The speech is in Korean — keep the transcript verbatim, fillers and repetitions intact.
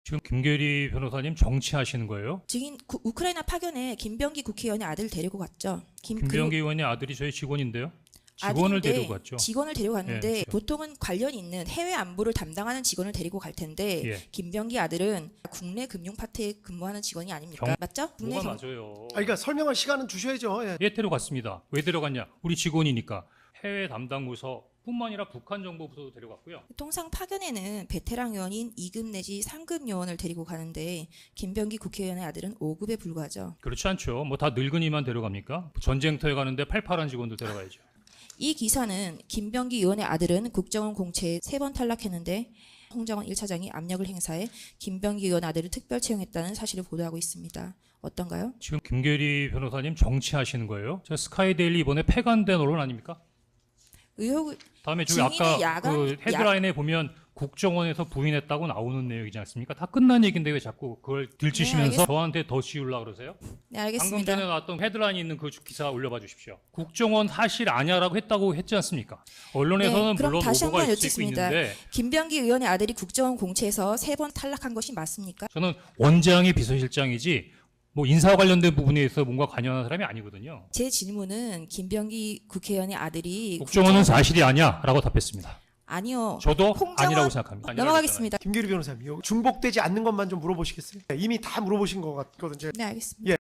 지금 김계리 변호사님 정치하시는 거예요? 지금 구- 우크라이나 파견에 김병기 국회의원의 아들을 데리고 갔죠. 김, 김병기 그리고 의원의 아들이 저희 직원인데요. 직원을 아들인데 데리고 갔죠. 직원을 데리고 갔는데 예, 그렇죠. 보통은 관련 있는 해외 안보를 담당하는 직원을 데리고 갈 텐데 예. 김병기 아들은 국내 금융 파트에 근무하는 직원이 아닙니까? 경- 맞죠? 국내 뭐가 경- 맞아요? 아, 그러니까 설명할 시간은 주셔야죠. 예. 예, 데려갔습니다. 왜 데려갔냐? 우리 직원이니까. 해외 담당 부서뿐만 아니라 북한 정보부서도 데려갔고요. 통상 파견에는 베테랑 요원인 이 급 내지 삼 급 요원을 데리고 가는데 김병기 국회의원의 아들은 오 급에 불과하죠. 그렇지 않죠. 뭐 다 늙은이만 데려갑니까? 전쟁터에 가는데 팔팔한 직원도 데려가야죠. 이 기사는 김병기 의원의 아들은 국정원 공채에 세 번 탈락했는데 홍정원 일 차장이 압력을 행사해 김병기 의원 아들을 특별 채용했다는 사실을 보도하고 있습니다. 어떤가요? 지금 김계리 변호사님 정치하시는 거예요? 저 스카이데일리 이번에 폐간된 언론 아닙니까? 의혹을 다음에 저기 증인의 아까 야간- 그 헤드라인에 보면 국정원에서 부인했다고 나오는 내용이지 않습니까? 다 끝난 얘기인데 왜 자꾸 그걸 들추시면서 네, 알겠- 저한테 더 씌우려고 그러세요? 네, 방금 알겠습니다. 전에 나왔던 헤드라인이 있는 그 기사 올려봐 주십시오. 국정원 사실 아니야라고 했다고 했지 않습니까? 언론에서는 네, 그럼 물론 다시 오보가 한번 있을 수 여쭙습니다. 있는데 김병기 의원의 아들이 국정원 공채에서 세 번 탈락한 것이 맞습니까? 저는 원장이 비서실장이지 뭐 인사와 관련된 부분에 있어 뭔가 관여하는 사람이 아니거든요. 제 질문은 김병기 국회의원의 아들이 국정원은 국정원- 사실이 아니야라고 답했습니다. 아니요. 저도 홍정원- 아니라고 생각합니다. 아니라고 넘어가겠습니다. 김계리 변호사님, 이거 중복되지 않는 것만 좀 물어보시겠어요? 예, 이미 다 물어보신 것 같거든요. 네, 알겠습니다. 예.